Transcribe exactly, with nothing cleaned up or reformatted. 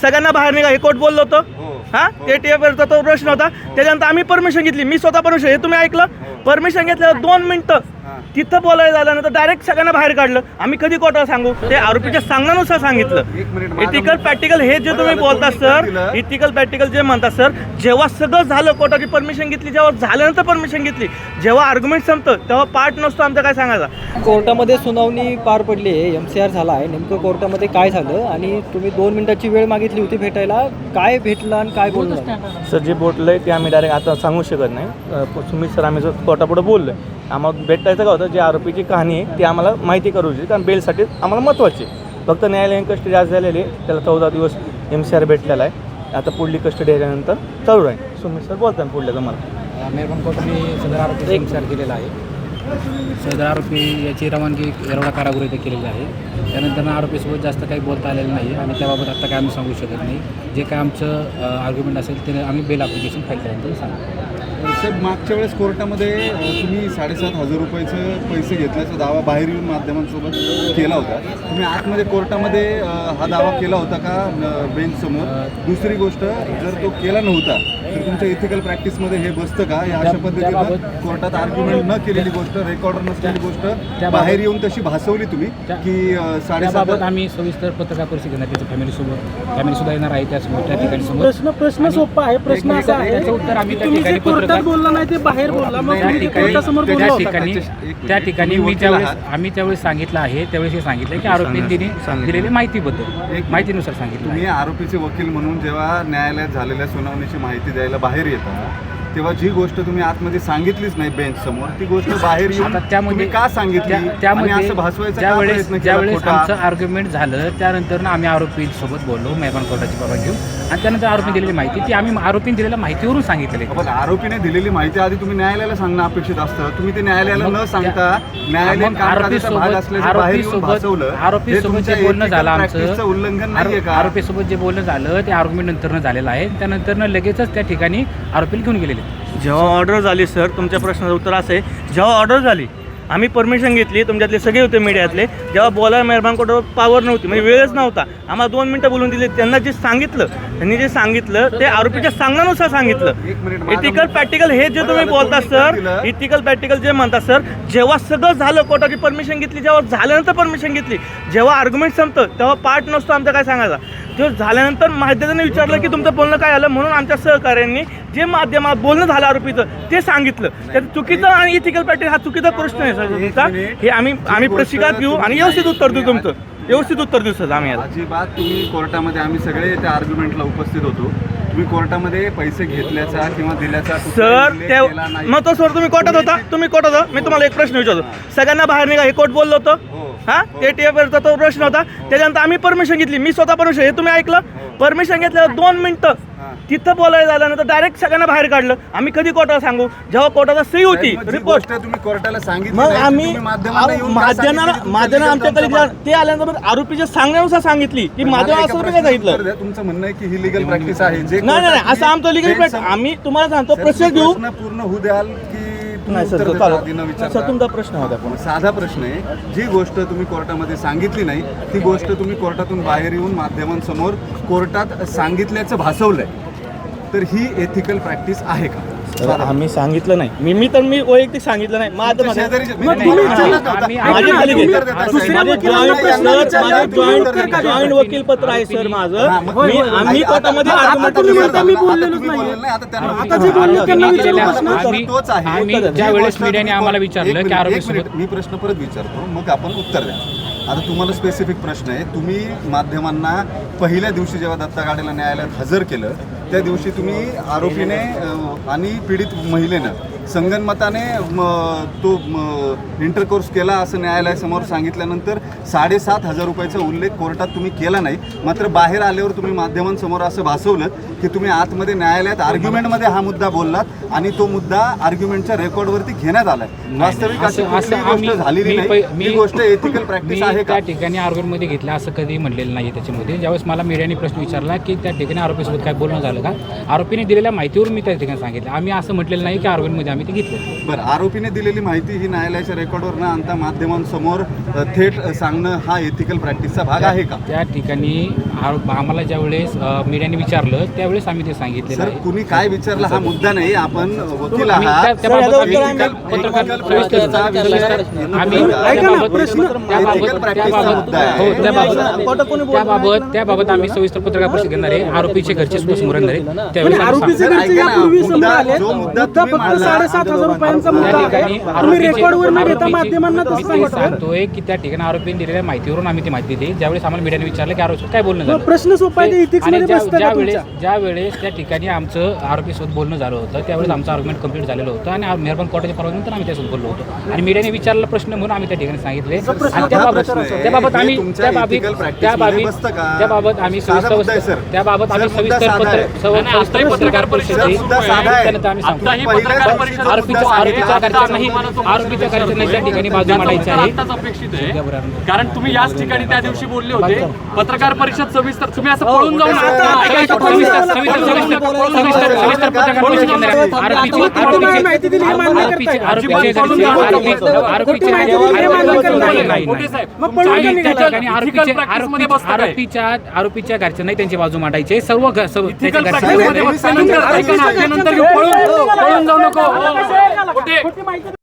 सगळ्यांना बाहेर निघा हे कोर्ट बोललो होतं हा ते टीएफचा तो प्रश्न होता. त्याच्यानंतर आम्ही परमिशन घेतली, मी स्वतः परमिशन, हे तुम्ही ऐकलं, परमिशन घेतलं दोन मिनिटं तिथं बोलायला झाल्यानंतर डायरेक्ट सगळ्यांना बाहेर काढलं. आम्ही कधी कोर्टाला सांगू? ते आरोपीच्या सांगण्यानुसार सांगितलं. इथिकल प्रॅक्टिकल हे जे तुम्ही बोलता सर, इथिकल प्रॅक्टिकल जे म्हणता सर, जेव्हा सगळं झालं कोर्टाची परमिशन घेतली, जेव्हा झाल्यानंतर परमिशन घेतली, जेव्हा आर्ग्युमेंट संपतं तेव्हा पार्ट नसतो आमचा, काय सांगायचा. कोर्टामध्ये सुनावणी पार पडली आहे, एम सी आर झाला आहे, नेमकं कोर्टामध्ये काय झालं आणि तुम्ही दोन मिनिटाची वेळ मागितली होती भेटायला, काय भेटलं आणि काय बोललं? सर जे बोललंय ते आम्ही डायरेक्ट आता सांगू शकत नाही. सुमित सर आम्ही जर कोर्टापुढे बोललोय, आम्हाला भेटायचं का होतं, जे आरोपीची कहाणी आहे ती आम्हाला माहिती करू शकते, कारण बेलसाठी आम्हाला महत्त्वाची. फक्त न्यायालयीन कस्टडी आज झालेली आहे, त्याला चौदा दिवस एम सी आर भेटलेला आहे. आता पुढली कस्टडी आल्यानंतर चालू आहे. सुमित सर बोलतात पुढल्या तुम्हाला. मेहरबान कोर्टाने सदर आरोपी एम सी आर केलेला आहे. सदर आरोपी याची रवानगी येरवडा कारागृह इथे केलेली आहे. त्यानंतर आरोपीसोबत जास्त काही बोलता आलेलं नाही आणि त्याबाबत आता काय आम्ही सांगू शकत नाही. जे काय आमचं आर्ग्युमेंट असेल ते आम्ही बेल ॲप्लिकेशन फाईल केल्यानंतर सांगू. साहेब, मागच्या वेळेस कोर्टामध्ये तुम्ही साडेसात हजार रुपयाचे पैसे घेतल्याचा दावा बाहेर येऊन माध्यमांसोबत केला होता. तुम्ही आतमध्ये कोर्टामध्ये हा दावा केला होता का बेंचसमोर? दुसरी गोष्ट, जर तो केला नव्हता तर तुमच्या इथिकल प्रॅक्टिसमध्ये हे बसतं का? या अशा पद्धतीनं कोर्टात आर्ग्युमेंट न केलेली गोष्ट, रेकॉर्डर नसलेली गोष्ट बाहेर येऊन तशी भासवली तुम्ही की साडेसात? आम्ही सविस्तर पत्रकार परिषद घेणार, त्याच्या फॅमिलीसोबत फॅमिली सुद्धा येणार आहे त्यासमोर त्या ठिकाणी समोर. प्रश्न प्रश्न सोपा आहे. प्रश्न असा आहे, त्याचं उत्तर आम्ही त्या ठिकाणी बोलला नाही ते बाहेर बोलला, मग त्या ठिकाणी त्या ठिकाणी त्या ठिकाणी मी त्यावेळेस आम्ही त्यावेळेस सांगितलं आहे, त्यावेळेस हे सांगितलं की आरोपींनी दिलेली माहितीबद्दल माहितीनुसार सांगितलं. तुम्ही आरोपीचे वकील म्हणून जेव्हा न्यायालयात झालेल्या सुनावणीची माहिती द्यायला बाहेर येता, तेव्हा जी गोष्ट तुम्ही आतमध्ये सांगितलीच नाही बेंच समोर, ती गोष्ट बाहेर येऊन त्यामध्ये का सांगितली? त्यामध्ये असं भासवायचं ज्यावेळेस ज्यावेळेस आमचं आर्ग्युमेंट झालं त्यानंतर आम्ही आरोपीसोबत बोललो, मेहरबान कोर्टाची बाबा घेऊन, आणि त्यानंतर आरोपी दिलेली माहिती ती आम्ही आरोपीने दिलेल्या माहितीवरून सांगितलेली. पण आरोपीने दिलेली माहिती आधी तुम्ही न्यायालयाला सांगणं अपेक्षित असतं. तुम्ही ते न्यायालयाला न सांगता न्यायालयीन कामकाजाचा भाग असल्याचं बाहेर येऊन भासवलं. आरोपीसोबत जे बोलणं झालं आमचं उल्लंघन नाहीये का? आरोपीसोबत जे बोलणं झालं ते आर्ग्युमेंट नंतरनं झालेलं आहे. त्यानंतर लगेचच त्या ठिकाणी आरोपीला घेऊन गेलेले. जेव्हा ऑर्डर झाली सर, तुमच्या प्रश्नाचं उत्तर असं आहे, जेव्हा ऑर्डर झाली आम्ही परमिशन घेतली, तुमच्यातले सगळे होते मीडियातले, जेव्हा बोलायला मेहरबान कोर्टावर पावर नव्हती, म्हणजे वेळच नव्हता, आम्हाला दोन मिनटं बोलून दिली. त्यांना जे सांगितलं त्यांनी जे सांगितलं ते आरोपीच्या सांगण्यानुसार सांगितलं. इथिकल प्रॅक्टिकल हे जे तुम्ही बोलता सर, इथिकल प्रॅक्टिकल जे म्हणता सर, जेव्हा सगळं झालं कोर्टाची परमिशन घेतली, जेव्हा झाल्यानंतर परमिशन घेतली, जेव्हा आर्ग्युमेंट संपतं तेव्हा पार्ट नसतो आमचा, काय सांगायचा. तेव्हा झाल्यानंतर माध्यमाने विचारलं की तुमचं बोलणं काय आलं, म्हणून आमच्या सहकार्यांनी जे माध्यमात बोलणं झालं आरोपीचं ते सांगितलं. त्यात चुकीचं आणि इथिकल प्रॅक्टिस हा चुकीचा प्रश्न आहे सर तुमचा. हे आम्ही आम्ही प्रतिकार घेऊ आणि व्यवस्थित उत्तर देऊ, तुमचं व्यवस्थित उत्तर देऊ सर आम्ही. अजिबात तुम्ही कोर्टामध्ये, आम्ही सगळे त्या आर्ग्युमेंटला उपस्थित होतो, तुम्ही कोर्टामध्ये पैसे घेतल्याचा किंवा दिल्याचा सर त्या मग तो सर तुम्ही कोर्टात होता, तुम्ही कोर्टात होता. मी तुम्हाला एक प्रश्न विचारतो, सगळ्यांना बाहेर निघा हे कोर्ट बोललो होतं हा ते टीएफचा तो प्रश्न होता. त्याच्यानंतर आम्ही परमिशन घेतली, मी स्वतः परमिशन, हे तुम्ही ऐकलं, परमिशन घेतलं दोन मिनिटं तिथं बोलायला झाल्यानंतर डायरेक्ट सगळ्यांना बाहेर काढलं. आम्ही कधी कोर्टाला सांगू? जेव्हा कोर्टाचा सही होती रिपोर्ट, तुम्ही कोर्टाला सांगितलं, मग आम्ही माध्यमांना माध्यमांना आमच्याकडे ते आल्यानंतर आरोपीच्या सांगण्यानुसार सांगितली की माध्यम असं काय सांगितलं. तुमचं म्हणणं आहे की ही लिगल प्रॅक्टिस आहे? जे नाही नाही असं आमचं लिगल प्रॅक्टिस, आम्ही तुम्हाला सांगतो प्रोसेस घेऊ. पूर्ण होऊ द्याल की नाही सर, सर तुमचा प्रश्न होता पण साधा प्रश्न आहे. जी गोष्ट तुम्ही कोर्टामध्ये सांगितली नाही ती गोष्ट तुम्ही कोर्टातून बाहेर येऊन माध्यमांसमोर कोर्टात सांगितल्याचं भासवलंय, तर ही एथिकल प्रॅक्टिस आहे का? आम्ही सांगितलं नाही, मी मी तर मी वैयक्तिक सांगितलं नाही. माझं जॉईंट वकील पत्र आहे सर माझं. मी आम्ही कोर्टामध्ये ज्या वेळेस मीडियाने आम्हाला विचारलं की आरोपीसोबत, मी प्रश्न परत विचारतो मग आपण उत्तर द्या. आता तुम्हाला स्पेसिफिक प्रश्न आहे. तुम्ही माध्यमांना पहिल्या दिवशी जेव्हा दत्ता गाडेला न्यायालयात हजर केलं त्या दिवशी तुम्ही आरोपीने आणि पीडित महिलेनं संगनमताने तो इंटरकोर्स केला असं न्यायालयासमोर सांगितल्यानंतर साडेसात हजार रुपयाचा उल्लेख कोर्टात तुम्ही केला नाही. मात्र बाहेर आल्यावर तुम्ही माध्यमांसमोर असं भासवलं की तुम्ही आतमध्ये न्यायालयात आर्ग्युमेंटमध्ये हा मुद्दा बोललात आणि तो मुद्दा आर्ग्युमेंटच्या रेकॉर्डवरती घेण्यात आलाय. वास्तविक अशी गोष्ट झालेली नाही. ही गोष्ट एथिकल प्रॅक्टिस आहे का? त्या ठिकाणी आर्ग्युमेंटमध्ये घेतलं असं कधी म्हणलेलं नाही. त्याच्यामध्ये ज्यावेळेस मला मीडियाने प्रश्न विचारला की त्या ठिकाणी आरोपीसोबत काय बोलणं झालं का, आरोपीने दिलेल्या माहितीवरून मी त्या ठिकाणी सांगितलं. आम्ही असं म्हटलेलं नाही की आर्ग्युमेंटमध्ये आम्ही आम्ही ते घेतले. बरं, आरोपीने दिलेली माहिती ही न्यायालयाच्या रेकॉर्डवर न आणता माध्यमांसमोर अ, थेट सांगणं हा एथिकल प्रॅक्टिसचा भाग आहे का? त्या ठिकाणी आरोप आम्हाला ज्यावेळेस अ, मीडियाने विचारलं त्यावेळेस आम्ही ते सांगितलेलं सर, आहे. कुणी काय विचारलं हा मुद्दा नाही. आपण वकील आम्ही आहात. त्या- त्याबाबत आम्ही Ethical- पत्रकार ethical सविस्तर- practiceचा विषय आम्ही येतो का? त्याबाबत Ethical त्याबाबत practiceचा मुद्दा आहे. हो त्याबाबत त्याबाबत त्याबाबत आम्ही सविस्तर पत्रकार परिषद घेणार आहे. आरोपीचे घरचे समोर येणार आहे त्यावेळेस आम्ही आरोपीचे सांगू. घरचे ऐका ना, यापूर्वी समोर मुद्दा- आले जो मुद्दा मुद्दा तुम्ही फक्त मांडला, साडेसात हजार रुपयांचा त्या मुद्दा ठिकाणी आहे तुम्ही आरोपीचे- रेकॉर्डवर न घेता आरोपीचे- माध्यमांना मी तसं ते सांगतोय सांगतोय की त्या ठिकाणी आरोपीने दिलेल्या माहितीवरून आम्ही ती माहिती दिली. ज्यावेळेस आम्हाला मीडियाने विचारलं की आरोपी काय बोलणं झालं, प्रश्न सोपा आहे, ते ethics आणि मध्ये ज्या- बसतं का ज्या वेळेस तुमच्या? ज्या वेळेस त्या ठिकाणी आमचं आरोपीसोबत बोलणं झालं होतं त्यावेळेस आमचं आर्ग्युमेंट कंप्लीट झालेलं होतं आणि मेहरबान कोर्टाच्या परवानगीनंतर आम्ही त्यासोबत बोललो होतो आणि मीडियाने विचारलेला प्रश्न म्हणून आम्ही त्या ठिकाणी सांगितले आणि त्याबाबत प्रश्न आहे. त्याबाबत हे आम्ही तुमच्या त्याबाबत ethical practice त्याबाबत मध्ये बसतं का? त्याबाबत आम्ही साधा मुद्दा आहे, सविस्तर सर. त्याबाबत आम्ही सर, मुद्दा सविस्तर साधा पत्र आहे. सव- सविस्तर पत्रकार परिषद सर, घेऊ. मुद्दा साधा आहे. त्यानंतर आम्ही सांगतो पहिल्या दिवशी जो आरोपीच्या मुद्दा आरोपीच्या सांगितला, घरच्यांनाही आरोपीच्या घरच्यांना त्या ठिकाणी बाजू मांडायची आहे. आत्ताच अपेक्षित आहे कारण तुम्ही याच ठिकाणी त्या दिवशी बोलले होते पत्रकार परिषद सविस्तर तुम्ही असं पळून जाऊन सविस्तर सविस्तर सविस्तर सविस्तर सविस्तर पत्रकार परिषद घेणार आहे. आरोपीची आरोपीची माहिती दिली हे मान्य आरोपीचे करताय. आरोपीचे घरचे आरोपी आरोपीचे माहिती दिली हे मान्य करताय. नाही, नाही, मोठे नाही. साहेब मग पळून का आणि त्या निघाला? ठिकाणी आरोपीचे Ethical practice मध्ये आरोपी- बसतं काय? आरोपीच्या आरोपीच्या घरच्यांनाही त्यांची बाजू मांडायची आहे. सर्व घ- सर्व त्याच्या Ethical घरच्यांना- practice मध्ये बसल्यानंतर ऐका ना, त्यानंतर पळून पळून जाऊ नको. खोटी माहिती